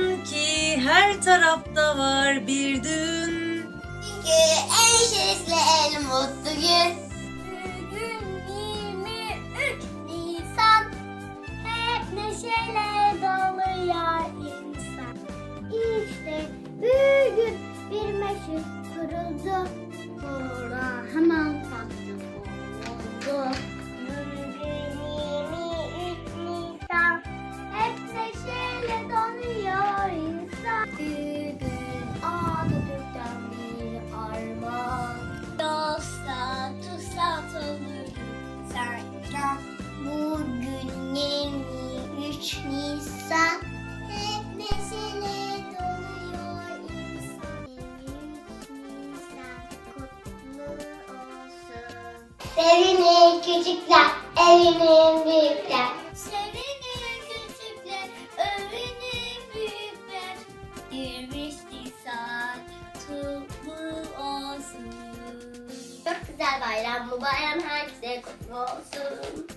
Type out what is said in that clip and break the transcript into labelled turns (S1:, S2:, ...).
S1: Sanki her tarafta var bir düğün.
S2: Çünkü en şerefli en mutlu gün.
S3: Bugün 23 Nisan. Hep neşeyle doluyor insan. İşte bugün bir meşhur kuruldu. Sonra hemen tatlı oldu. Bugün 23 Nisan. Hep neşeyle doluyor insan. Bugün Atatürk'ten bir armağan. Dosta tutsak olur sana. Bugün 23 Nisan. Hep neşeyle doluyor insan. 23 Nisan kutlu olsun.
S2: Sevinin küçükler, evinin büyükler.
S3: Sevinin küçükler, övünün büyükler. 23 Nisan kutlu olsun.
S2: Çok güzel bayram. Bu bayram herkese kutlu olsun.